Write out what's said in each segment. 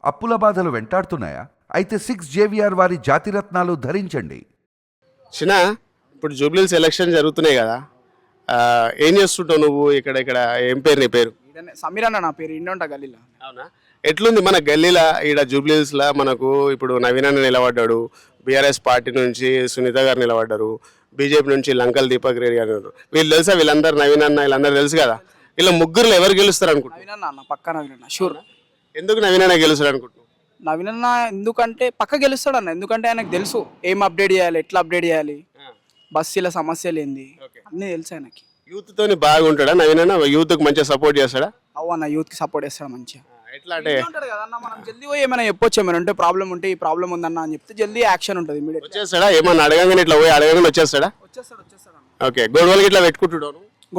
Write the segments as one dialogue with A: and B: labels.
A: అప్పుల బాధలు వెంటాడుతున్నాయా? అయితే 6 JVR వారి జాతిరత్నాలు ధరించండి.
B: చిన్న ఇప్పుడు జూబ్లీస్ ఎలక్షన్ జరుగుతున్నాయి కదా, ఏం చేస్తుంటావు నువ్వు? ఇక్కడ ఇక్కడ ఏం పేరు నీ పేరు?
C: సమీర్ అన్న నా పేరు. ఇండి ఉంటా గల్లీలో.
B: అవునా? ఎట్లుంది మన గల్లీలా ఈడ జూబ్లీస్లా? మనకు ఇప్పుడు నవీన్ అన్న నిలబడ్డాడు, బీఆర్ఎస్ పార్టీ నుంచి సునీత గారు నిలబడ్డారు, బీజేపీ నుంచి లంకల్ దీపక్ రెడ్డి గారు. వీళ్ళు తెలుసా? వీళ్ళందరూ నవీన్ అన్న వీళ్ళందరూ తెలుసు కదా. వీళ్ళ ముగ్గురులో ఎవరు గెలుస్తారు అనుకుంటున్నారు?
C: నవీన్ అన్న పక్క నవీన్ అన్న షూర్.
B: ఎందుకు నవీన్ అన్న గెలుస్తాడు అనుకుంటున్నావు?
C: నవీన్ అన్న ఎందుకంటే పక్క గెలుస్తాడు అన్న. ఎందుకంటే ఆయనకు తెలుసు ఏం అప్డేట్ చేయాలి, ఎట్లా అప్డేట్ చేయాలి, బస్సుల సమస్యలు ఏంది అన్నీ తెలుసు ఆయనకి.
B: యూత్ తోని బాగుంటాడా నవీన్ అన్న? యూత్ కు మంచిగా సపోర్ట్ చేస్తాడా?
C: అవ్వ అన్న యూత్ కి సపోర్ట్ చేస్తాడు మంచిగా.
B: ఎట్లా అంటే
C: ఉంటాడు కదా అన్న, మనం జల్దీ పోయి ఏమైనా చెప్పొచ్చు, ఏమైనా ఉంటే ప్రాబ్లం ఉంటే ఈ ప్రాబ్లం ఉందన్న అని చెప్తే జల్దీ యాక్షన్ ఉంటుంది ఇమీడియట్.
B: వచ్చేస్తాడా? ఏమన్నా అడగంగానే ఇట్లా పోయి అడగంగానే వచ్చేస్తాడా?
C: వచ్చేస్తాడు అన్న.
B: ఓకే. గొడవలకి ఇట్లా పెట్టుకుంటున్నాను,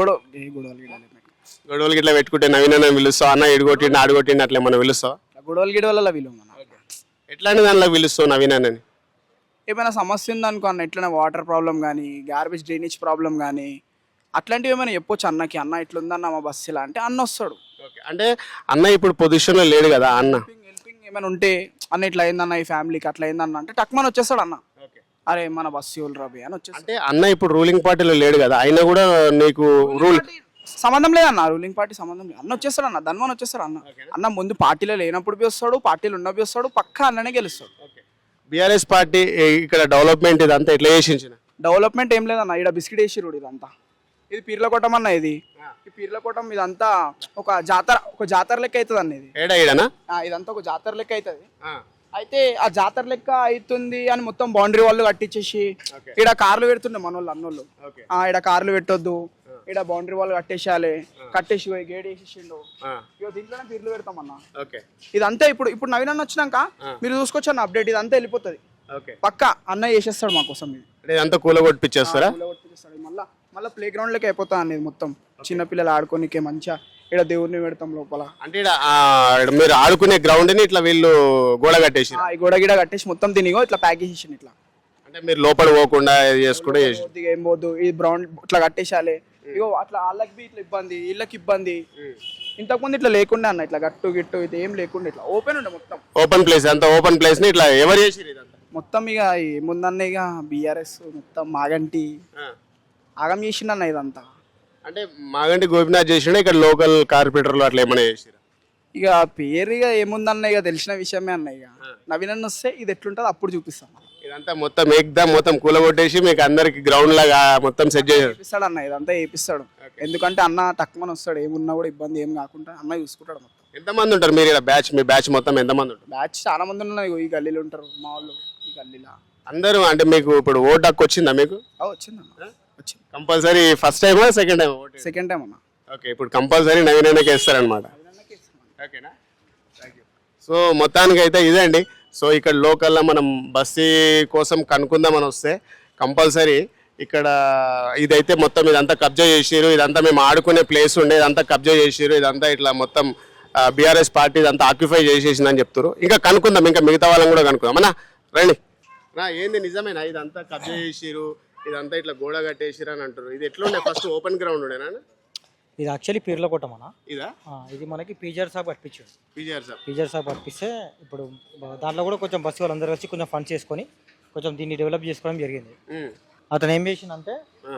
B: గొడవలకి ఇట్లా పెట్టుకుంటే నవీన్ అన్న పిలుస్తావు? అన్న ఇడుగొట్టిండి ఆడుగొట్టిండి అట్లా ఏమన్నా పిలుస్తావు?
C: గొడవలు గిడవల వీలు మన
B: ఎట్లాంటి దానిలో పిలుస్తావు నవీన్ అన్నని?
C: ఏమైనా సమస్య ఉందనుకో అన్న, ఎట్లైనా వాటర్ ప్రాబ్లం కానీ, గార్బేజ్ డ్రైనేజ్ ప్రాబ్లం కానీ అట్లాంటివి ఏమైనా చెప్పొచ్చు అన్నకి. అన్న ఇట్లుందన్న మా బస్సు ఇలా అంటే అన్న వస్తాడు.
B: అంటే అన్న ఇప్పుడు పొజిషన్లో లేడు కదా అన్న.
C: హెల్పింగ్ ఏమైనా ఉంటే అన్న ఇట్లా అయిందన్న ఈ ఫ్యామిలీకి అట్లా అయిందన్న అంటే టక్మని వచ్చేస్తాడు అన్న. అరే మన బస్సు ఎవరు రబి అని వచ్చేస్తాడు.
B: అంటే అన్న ఇప్పుడు రూలింగ్ పార్టీలో లేడు కదా, అయినా కూడా నీకు రూల్
C: సంబంధం లేదన్న, రూలింగ్ పార్టీ సంబంధం లేదు. అన్న వచ్చేస్తాడు అన్న, ధన్వన్ వచ్చేస్తాడు అన్న. అన్న ముందు పార్టీలో లేనప్పుడు బి వస్తాడు, పార్టీలో ఉన్నప్పుడు వస్తాడు, పక్కా అన్ననే గెలుస్తాడు.
B: బీఆర్ఎస్ పార్టీ ఇక్కడ డెవలప్మెంట్ ఇదంతా ఎట్లా చేసించిన?
C: డెవలప్మెంట్ ఏం లేదన్న, ఇక్కడ బిస్కెట్ వేసి రోడ్ ఇదంతా. ఇది పీర్లకోటం అన్న. ఇది ఈ పీర్లకోటం ఇదంతా ఒక జాతర లెక్క అవుతుంది అన్న. ఇది ఇదంతా ఒక జాతర లెక్క అవుతుంది. అయితే ఆ జాతర లెక్క అవుతుంది అని మొత్తం బౌండరీ వాళ్ళు కట్టించేసి ఇక్కడ కార్లు పెడుతుండే మన వాళ్ళు అన్నోళ్ళు. ఇక్కడ కార్లు పెట్టొద్దు, ఇక్కడ బౌండరీ వాళ్ళు కట్టేసేయాలి, కట్టేసి గేట్ వేసేసిండు. ఇక దీంట్లోనే పీర్లు పెడతామన్నా. ఇదంతా ఇప్పుడు నవీన్ అన్న వచ్చినాక మీరు చూసుకోవచ్చు అన్న అప్డేట్. ఇదంతా వెళ్ళిపోతుంది పక్క. అన్న చేసేస్తాడు మా కోసం. ఇది
B: అంతా కూలగొట్టిస్తారా?
C: మళ్ళీ ప్లే గ్రౌండ్ లెక్క అయిపోతా అనేది మొత్తం. చిన్నపిల్లలు ఆడుకోనికే మంచిగా ఇక్కడ దేవుడిని పెడతాం లోపల.
B: అంటే మీరు ఆడుకునే గ్రౌండ్ ని ఇట్లా వీళ్ళు గోడ కట్టేసి
C: గోడ గిడ కట్టేసి మొత్తం తినిగో ఇట్లా ప్యాక్ చేసేసి ఇట్లా.
B: అంటే మీరు లోపల పోకుండా చేసుకుంటే
C: ఏం పోద్దు, ఈ గ్రౌండ్ ఇట్లా కట్టేసాలి. ఇగో అట్లా వాళ్ళకి బి ఇట్లా ఇబ్బంది, వీళ్ళకి ఇబ్బంది. ఇంతకుముందు ఇట్లా లేకుండా అన్న, ఇట్లా గట్టు గిట్టు ఇది ఏం లేకుండా ఇట్లా ఓపెన్ ఉండే మొత్తం.
B: ఓపెన్ ప్లేస్ అంతా ఓపెన్ ప్లేస్ ని ఇట్లా ఎవరు చేసి
C: మొత్తం ఇక ముందన్న ఇక బీఆర్ఎస్ మొత్తం మాగంటి ఆగం చేసిండన్న ఇదంతా.
B: అంటే మాగంటి గోపినాథ్ చేసిండే, ఇక్కడ లోకల్ కార్పొరేటర్లు అట్లా ఏమైనా చేసిరా?
C: ఇక పేరు ఇక ఏముందన్న, ఇక తెలిసిన విషయమే అన్న. ఇక నవీన్ అన్న వస్తే ఇది ఎట్లుంటుంది అప్పుడు చూపిస్తాను.
B: ఇదంతా మొత్తం ఏకదం మొత్తం కూలగొట్టేసి మీకు అందరికి గ్రౌండ్ లాగా మొత్తం సెట్
C: చేపిస్తాడు అన్న. ఇదంతా చేపిస్తాడు. ఎందుకంటే అన్న తక్కువని వస్తాడు, ఏమున్నా కూడా ఇబ్బంది ఏం కాకుండా అన్న చూసుకుంటాడు మొత్తం.
B: ఎంతమంది ఉంటారు మీరు ఇక్కడ బ్యాచ్? మీ బ్యాచ్ మొత్తం ఎంతమంది ఉంటారు?
C: బ్యాచ్ చాలా మంది ఉన్నారు. ఈ గల్లీలో ఉంటారు మా వాళ్ళు. ఈ గల్లీలో
B: అందరూ. అంటే మీకు ఇప్పుడు ఓట్ హక్కు వచ్చిందా? మీకు
C: వచ్చిందన్న. వచ్చింది
B: కంపల్సరీ. ఫస్ట్ టైమా సెకండ్ టైం?
C: సెకండ్ టైం అన్న.
B: ఓకే. ఇప్పుడు కంపల్సరీ నవీన్ అన్నకి వేస్తారనమాట. ఓకేనా? సో మొత్తానికి అయితే ఇదే అండి. సో ఇక్కడ లోకల్లో మనం బస్సు కోసం కనుక్కుందామని వస్తే కంపల్సరీ ఇక్కడ ఇదైతే మొత్తం ఇదంతా కబ్జా చేసిరు. ఇదంతా మేము ఆడుకునే ప్లేస్ ఉండే, ఇదంతా కబ్జా చేసిరు. ఇదంతా ఇట్లా మొత్తం బీఆర్ఎస్ పార్టీ ఇదంతా ఆక్యుపై చేసేసిందని చెప్తారు. ఇంకా కనుక్కుందాం, ఇంకా మిగతా వాళ్ళని కూడా కనుక్కుందాం. అన్నా రండి. ఏంది నిజమేనా ఇదంతా కబ్జా చేసిరు, ఇదంతా ఇట్లా గోడ కట్టేసిరు అని అంటారు? ఇది ఎట్లుండే? ఫస్ట్ ఓపెన్ గ్రౌండ్ ఉండేనా?
D: ఇది యాక్చువల్లీ పీర్లకోటం అన్న.
B: ఇదా?
D: ఇది మనకి పీజర్ సాబ్ కట్టించాడు.
B: పీజర్
D: సాబ్ కట్టిస్తే ఇప్పుడు దాంట్లో కూడా కొంచెం బస్సు వాళ్ళందరూ కలిసి కొంచెం ఫండ్ చేసుకొని కొంచెం దీన్ని డెవలప్ చేసుకోవడం జరిగింది. అతను ఏం చేసిందంటే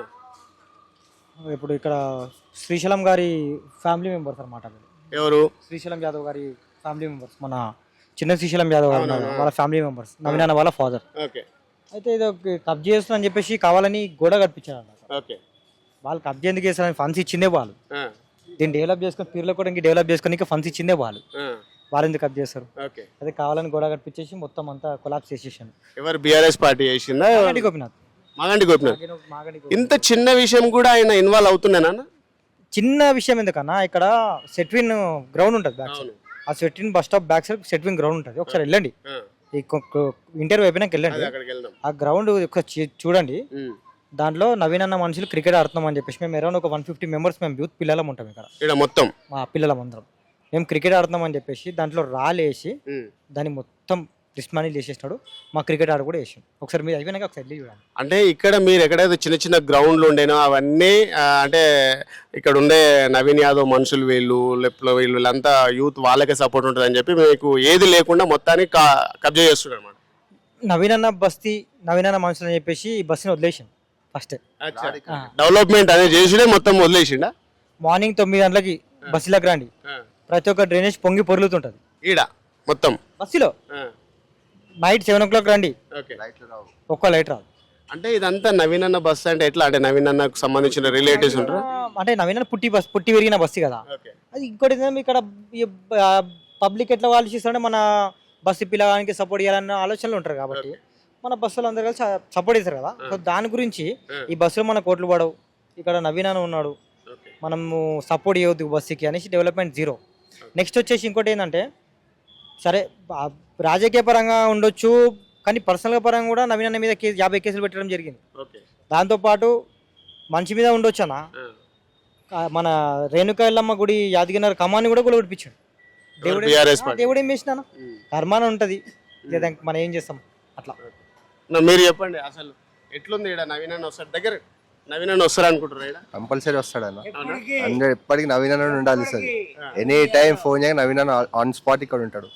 D: ఇప్పుడు ఇక్కడ శ్రీశైలం గారి ఫ్యామిలీ మెంబర్స్ అనమాట.
B: ఎవరు?
D: శ్రీశైలం యాదవ్ గారి ఫ్యామిలీ మెంబర్స్. మన చిన్న శ్రీశైలం యాదవ్ గారు వాళ్ళ ఫ్యామిలీ మెంబర్స్, నవీన్ అన్న వాళ్ళ ఫాదర్. అయితే ఇది కబ్జా చేస్తుందని చెప్పేసి కావాలని గోడ కట్టించారు అన్నమాట. వాళ్ళు కబ్జా ఎందుకు చేస్తారని ఫండ్స్ ఇచ్చిందే వాళ్ళు. దీన్ని డెవలప్ చేసుకొని పీర్లకోటంకి డెవలప్ చేసుకొని ఫండ్స్ ఇచ్చిందే వాళ్ళు. వాళ్ళు ఎందుకు కబ్జా చేస్తారు? అదే కావాలని గోడ కట్టించేసి మొత్తం అంతా కొలాప్స్ చేసేసాను.
B: ఎవరు? బీఆర్ఎస్ పార్టీ చేసిందా?
D: గోపినాథ్.
B: మాగంటి గోపినాథ్. ఇంత చిన్న విషయం కూడా ఆయన ఇన్వాల్వ్ అవుతున్నానా?
D: చిన్న విషయం ఎందుకన్నా, ఇక్కడ సెట్విన్ గ్రౌండ్ ఉంటుంది బ్యాక్ సైడ్. ఆ Setwin bus stop back side Setwin ground ఉంటుంది. ఒకసారి వెళ్ళండి, ఈ ఇంటర్వ్యూ అయిపోయినాక వెళ్ళండి. ఆ గ్రౌండ్ చూడండి. దాంట్లో నవీన్ అన్న మనుషులు క్రికెట్ ఆడుతున్నాం అని చెప్పేసి మేము అరౌండ్ ఒక 150 మెంబర్స్ మేము యూత్ పిల్లలం ఉంటాం ఇక్కడ
B: మొత్తం.
D: మా పిల్లలం అందరం మేము క్రికెట్ ఆడుతున్నాం అని చెప్పేసి దాంట్లో రాలేసి దాన్ని మొత్తం రిస్ట్ మనీ చేసేసినాడు. మా క్రికెట్ ఆడ కూడా వేసాం. ఒకసారి మీరు అయిపోయినాక ఒకసారి వెళ్ళి చూడండి.
B: అంటే ఇక్కడ మీరు ఎక్కడైతే చిన్న చిన్న గ్రౌండ్లు ఉండేనో అవన్నీ అంటే ఇక్కడ ఉండే నవీన్ యాదవ్ మనుషులు వీళ్ళంతా యూత్ వాళ్ళకే సపోర్ట్ ఉంటుంది అని చెప్పి మీకు ఏది లేకుండా మొత్తానికి కబ్జా చేస్తున్నారు అనమాట.
D: నవీన్ అన్న బస్తీ, నవీన్ అన్న మనుషులు అని చెప్పేసి ఈ బస్సుని వదిలేసాం ఫస్ట్.
B: డెవలప్మెంట్ అనేది చేసిడే మొత్తం వదిలేసిండా.
D: మార్నింగ్ 9 గంటలకి బస్సులోకి రండి, ప్రతి ఒక్క డ్రైనేజ్ పొంగి పొరులుతుంటుంది
B: ఈడ మొత్తం
D: బస్సులో. నైట్ 7 o'clock రండి,
B: ఓకే
D: ఒక్క లైట్ రాదు.
B: అంటే ఇదంతా నవీన్ అన్న బస్ అంటే ఎట్లా అంటే నవీన్ అన్నకు సంబంధించిన రిలేటివ్స్ ఉంటారు.
D: అంటే నవీన్ అన్న పుట్టి పెరిగిన బస్సు కదా అది. ఇంకోటి ఏంటంటే ఇక్కడ పబ్లిక్ ఎట్లా వాళ్ళు చేస్తారంటే మన బస్సు పిల్లగానికి సపోర్ట్ చేయాలన్న ఆలోచనలు ఉంటారు కాబట్టి మన బస్సులో అందరు కలిసి సపోర్ట్ చేస్తారు కదా. సో దాని గురించి ఈ బస్సులో మన కోట్లు పడవు, ఇక్కడ నవీన్ అన్న ఉన్నాడు, మనము సపోర్ట్ చేయవద్దు బస్సుకి అనేసి డెవలప్మెంట్ జీరో. నెక్స్ట్ వచ్చేసి ఇంకోటి ఏంటంటే సరే రాజకీయ పరంగా ఉండొచ్చు కానీ పర్సనల్గా పరంగా కూడా నవీన్ అన్న మీద 50 కేసులు పెట్టడం జరిగింది. దాంతోపాటు మనిషి మీద ఉండొచ్చు అన్న. మన రేణుకా ఎల్లమ్మ గుడి యాదగిరి కమాన్ని కూడా కొట్టించాడు. దేవుడు ఏం చేసినా కర్మాన ఉంటుంది, మనం ఏం చేస్తాం అట్లా.
B: మీరు చెప్పండి అసలు ఎట్లుంది ఇక్కడ నవీన్ అన్న వస్తాడు దగ్గర నవీన్ అన్న వస్తారు అనుకుంటారు.
E: కంపల్సరీ వస్తాడు అన్న 100 ఎప్పటికి నవీన్ అన్న ఉండాలి సార్. ఎనీ టైం ఫోన్ చేయగా నవీన్ అన్న ఆన్ స్పాట్ ఇక్కడ ఉంటాడు.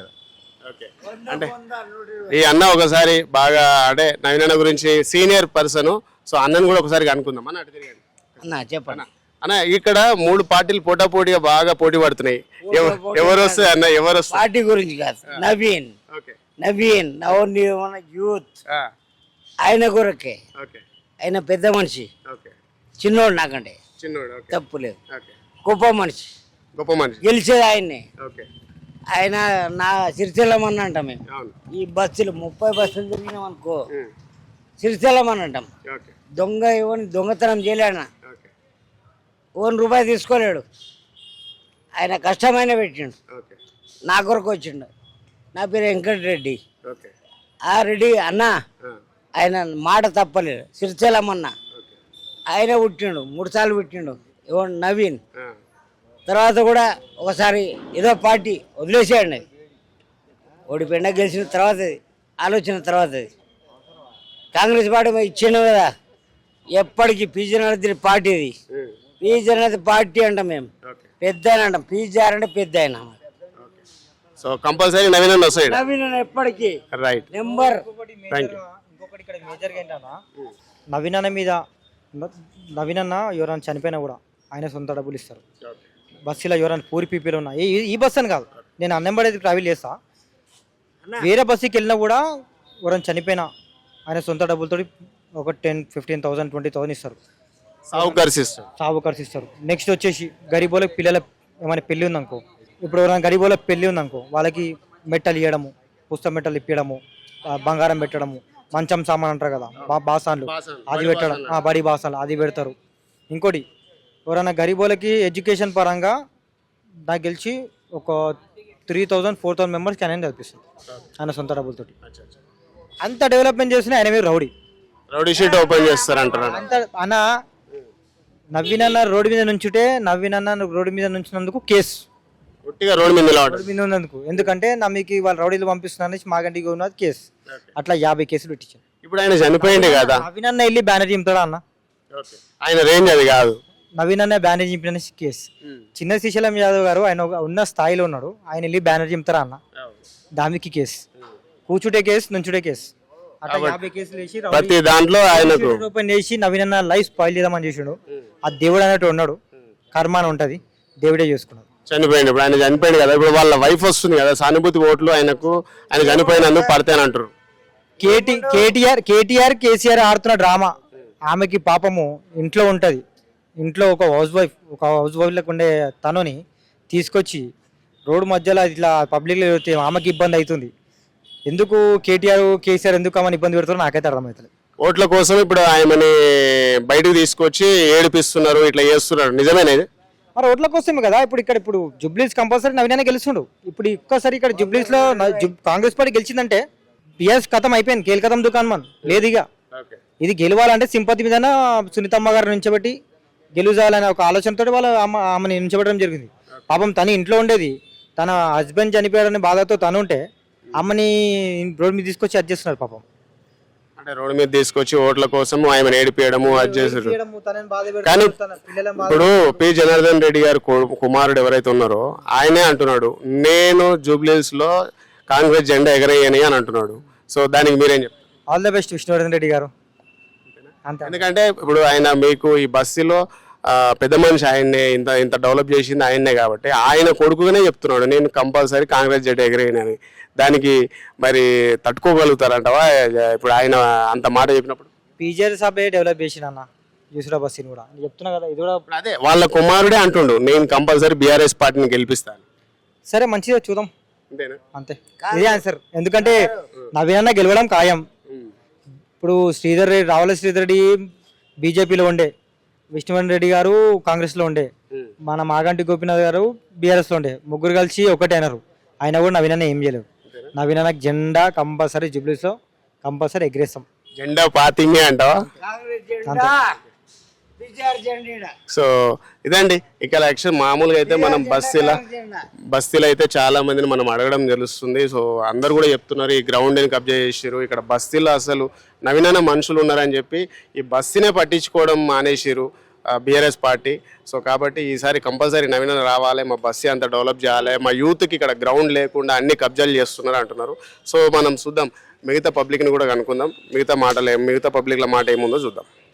B: అంటే ఈ అన్న ఒకసారి బాగా అంటే నవీన్ అన్న గురించి సీనియర్ పర్సన్, సో అన్నను కూడా ఒకసారి అనుకుందాం అన్న. అటు తిరిగాడు
F: అన్న చెప్పండి
B: అన్న. ఇక్కడ 3 పార్టీలు పోటాపోటీగా బాగా పోటీ పడుతున్నాయి. ఎవరు వస్తే అన్న ఎవరు వస్తారు?
F: పార్టీ గురించి కాదు, నవీన్ నవీన్ యూత్ ఆయన కొరకే. ఆయన పెద్ద మనిషి, చిన్నోడు నాకంటే తప్పు లేదు, గొప్ప మనిషి గెలిచేది ఆయన్నే. ఆయన నా సిరిచెల్లమని అంటాం మేము. ఈ బస్సులు 30 బస్సులు తిరిగినాం అనుకో సిరిచెల్లమని అంటాం. దొంగ ఎవరిని దొంగతనం చేయలేడు, ₹1 తీసుకోలేడు. ఆయన కష్టమైన పెట్టిండు, నా కొరకు వచ్చిండు. నా పేరు వెంకటరెడ్డి. ఆ రెడ్డి అన్న ఆయన మాట తప్పలేదు. సిరిచెల్లమన్న ఆయన పుట్టిండు, 3 సార్లు పుట్టిండు. ఎవరు నవీన్ తర్వాత కూడా ఒకసారి ఏదో పార్టీ వదిలేసేయండి, ఓడిపోయినా గెలిచిన తర్వాత ఆలోచన తర్వాత కాంగ్రెస్ పార్టీ ఇచ్చిండు కదా. ఎప్పటికీ పీజీ పార్టీ ఇది. పీజీ పార్టీ అంటాం మేము, పెద్ద ఆయన అంటాం. పీజీఆర్ అంటే పెద్ద ఆయన.
B: సో కంపల్సరీ నవీన్ అన్న వస్తాడు.
F: నవీన్ అన్న ఎప్పటికీ
B: రైట్
F: నెంబర్.
D: ఇంకొకటి ఇక్కడ మేజర్గా ఏంటన్నా నవీన్ అన్న మీద, నవీన్ అన్న ఎవరైనా చనిపోయినా కూడా ఆయన సొంత డబ్బులు ఇస్తారు. బస్సులో ఎవరైనా పూరి పీపీలు ఉన్నా ఈ బస్సు అని కాదు, నేను అన్నంబడేది ట్రావెల్ చేస్తా, వేరే బస్సుకి వెళ్ళినా కూడా ఎవరైనా చనిపోయినా ఆయన సొంత డబ్బులతో ఒక 10,000, 15,000, 20,000 ఇస్తారు. సాగు ఖర్చు ఇస్తారు. నెక్స్ట్ వచ్చేసి గరీబోళ్ళకి పిల్లల ఏమైనా పెళ్ళి ఉందనుకో, ఇప్పుడు ఎవరైనా గరీబోళ్ళకి పెళ్ళి ఉందనుకో వాళ్ళకి మెట్టలు ఇవ్వడము, పుస్తక మెట్టలు ఇప్పడము, బంగారం పెట్టడము, మంచం సామాన్ అంటారు కదా బాసాన్లు అది పెట్టడం, బడి బాసాన్లు అది పెడతారు. ఇంకోటి ఎవరైనా గరీబోళ్ళకి ఎడ్యుకేషన్ పరంగా నాకు గెలిచి ఒక 3,000, 4,000 మెంబర్స్కి ఆయన చదివిస్తుంది ఆయన సొంత డబ్బులతోటి. అంత డెవలప్మెంట్ చేసిన ఆయన మీద
B: రౌడీ షీట్ ఓపెన్ చేస్తారంటారు.
D: అంత అన్న నవీన్ అన్న రోడ్డు మీద నుంచుంటే నవీన్ అన్న రోడ్డు మీద నుంచినందుకు కేసు రోడ్డు మీద ఉన్నందుకు. ఎందుకంటే నమ్మికి వాళ్ళు రౌడీలు పంపిస్తున్నారు మాగంటికి ఉన్నది కేసు. అట్లా 50 కేసులు పెట్టించారు.
B: ఇప్పుడు ఆయన చనిపోయింది కదా,
D: నవీన్ అన్న వెళ్ళి బ్యానర్ చింపుతాడా అన్న?
B: ఆయన రేంజ్ అది కాదు.
D: నవీన్ అన్న బ్యానర్ చింపిన కేసు. చిన్న శ్రీశైలం యాదవ్ గారు ఆయన ఉన్న స్థాయిలో ఉన్నాడు, ఆయన వెళ్ళి బ్యానర్ చింపుతారా అన్న? దానికి కేసు, కూర్చుంటే కేసు, నుంచుడే కేసు. అట్లా 50 కేసులు వేసి
B: ప్రతి దాంట్లో ఆయనకు
D: ఓపెన్ చేసి నవీన్ అన్న లైఫ్ స్పాయిల్ చేద్దామని చేసాడు. ఆ దేవుడు అన్నట్టు ఉన్నాడు, కర్మాన ఉంటది, దేవుడే చేసుకున్నాడు.
B: చనిపోయింది. ఇప్పుడు ఆయన చనిపోయింది కదా, ఇప్పుడు వాళ్ళ వైఫ్ వస్తుంది కదా, సానుభూతి ఓట్లు ఆయనకు ఆయన చనిపోయినందుకు పడతానంటారు.
D: కేసీఆర్ ఆడుతున్న డ్రామా. ఆమెకి పాపము ఇంట్లో ఉంటది, ఇంట్లో ఒక హౌస్ వైఫ్ లకు ఉండే తనుని తీసుకొచ్చి రోడ్డు మధ్యలో ఇట్లా పబ్లిక్లో ఆమెకి ఇబ్బంది అవుతుంది. ఎందుకు కేసీఆర్ ఎందుకు ఆమెను ఇబ్బంది పెడతారో నాకైతే అర్థమవుతుంది.
B: ఓట్ల కోసం ఇప్పుడు ఆయనని బయటకు తీసుకొచ్చి ఏడిపిస్తున్నారు, ఇట్లా చేస్తున్నారు. నిజమేనా ఇది?
D: మరి ఓట్ల కోసమే కదా. ఇప్పుడు జుబ్లీస్ కంపల్సరీ నవీన్ గెలుస్తుండు. ఇప్పుడు ఒక్కసారి ఇక్కడ జుబ్లీస్ లో కాంగ్రెస్ పార్టీ గెలిచిందంటే పిఎస్ కథం అయిపోయింది, కేల్కతం దుకాణం మన లేదు. ఇక ఇది గెలవాలంటే సింపతి మీద సునీతమ్మ గారు నుంచబెట్టి గెలుచాలనే ఒక ఆలోచనతో వాళ్ళు ఆమెను నుంచబెట్టడం జరిగింది. పాపం తను ఇంట్లో ఉండేది, తన హస్బెండ్ చనిపోయాడనే బాధతో తను ఉంటే అమ్మని రోడ్ మీద తీసుకొచ్చి అది చేస్తున్నారు పాపం.
B: అంటే రోడ్డు మీద తీసుకొచ్చి ఓట్ల కోసం ఆయన ఏడిపియడము అది చేసారు.
D: చేయడము, తనని బాధ పెడతారు,
B: కానీ
D: తన పిల్లలని బాధ
B: ఇప్పుడు పి జనార్దన్ రెడ్డి గారు కుమారుడు ఎవరైతే ఉన్నారో ఆయనే అంటున్నాడు నేను జూబ్లీహిల్స్ లో కాంగ్రెస్ జెండా ఎగరేయని అని అంటున్నాడు. సో దానికి మీరేం చెప్తారు?
D: All the best Vishnuvardhan Reddy garu. అంతే.
B: ఎందుకంటే ఇప్పుడు ఆయన మీకు ఈ బస్సులో పెద్ద మనిషి ఆయన్నే ఇంత ఇంత డెవలప్ చేసింది ఆయన్నే కాబట్టి ఆయన కొడుకుగానే చెప్తున్నాడు నేను కంపల్సరీ కాంగ్రెస్ జెండా ఎగరేయనని. దానికి మరి తట్టుకోగలుగుతారంటవా ఇప్పుడు ఆయన అంత మాట చెప్పినప్పుడు?
D: పీజీఆర్ సభ డెవలప్ చేసిన అన్న యూసురా బస్సీని కూడా నేను చెప్తున్నా కదా, ఇది కూడా
B: అదే వాళ్ళ కుమారుడే అంటుండు నేను కంపల్సరీ బీఆర్ఎస్ పార్టీని గెలిపిస్తాను.
D: సరే మంచిగా చూద్దాం.
B: అంతేనా?
D: అంతే, ఇదే ఆన్సర్. ఎందుకంటే నవీనన్న గెలవడం ఖాయం. ఇప్పుడు రావుల శ్రీధర్ రెడ్డి బీజేపీలో ఉండే, విష్ణువర్ధన్ రెడ్డి గారు కాంగ్రెస్లో ఉండే, మన మాగంటి గోపీనాథ్ గారు బీఆర్ఎస్లో ఉండే, ముగ్గురు కలిసి ఒకటే అయినారు. అయినా కూడా నవీనన్న ఏం చేయలేవు. నవీనన్న జెండా కంపల్సరీ జూబ్లీస్లో కంపల్సరీ ఎగ్రేస్తాం.
B: జెండా పాతింగే అంటావా? సో ఇదండి ఇక్కడ యాక్చువల్ మామూలుగా అయితే మనం బస్తీలో అయితే చాలా మందిని మనం అడగడం తెలుస్తుంది. సో అందరు కూడా చెప్తున్నారు ఈ గ్రౌండ్ని కబ్జా చేసారు, ఇక్కడ బస్తీలో అసలు నవీనన్న మనుషులు ఉన్నారని చెప్పి ఈ బస్తీనే పట్టించుకోవడం మానేసారు బీఆర్ఎస్ పార్టీ. సో కాబట్టి ఈసారి కంపల్సరీ నవీనన్న రావాలి, మా బస్తీ అంతా డెవలప్ చేయాలి, మా యూత్కి ఇక్కడ గ్రౌండ్ లేకుండా అన్ని కబ్జాలు చేస్తున్నారు అంటున్నారు. సో మనం చూద్దాం, మిగతా పబ్లిక్ని కూడా కనుక్కుందాం, మిగతా పబ్లిక్ల మాట ఏముందో చూద్దాం.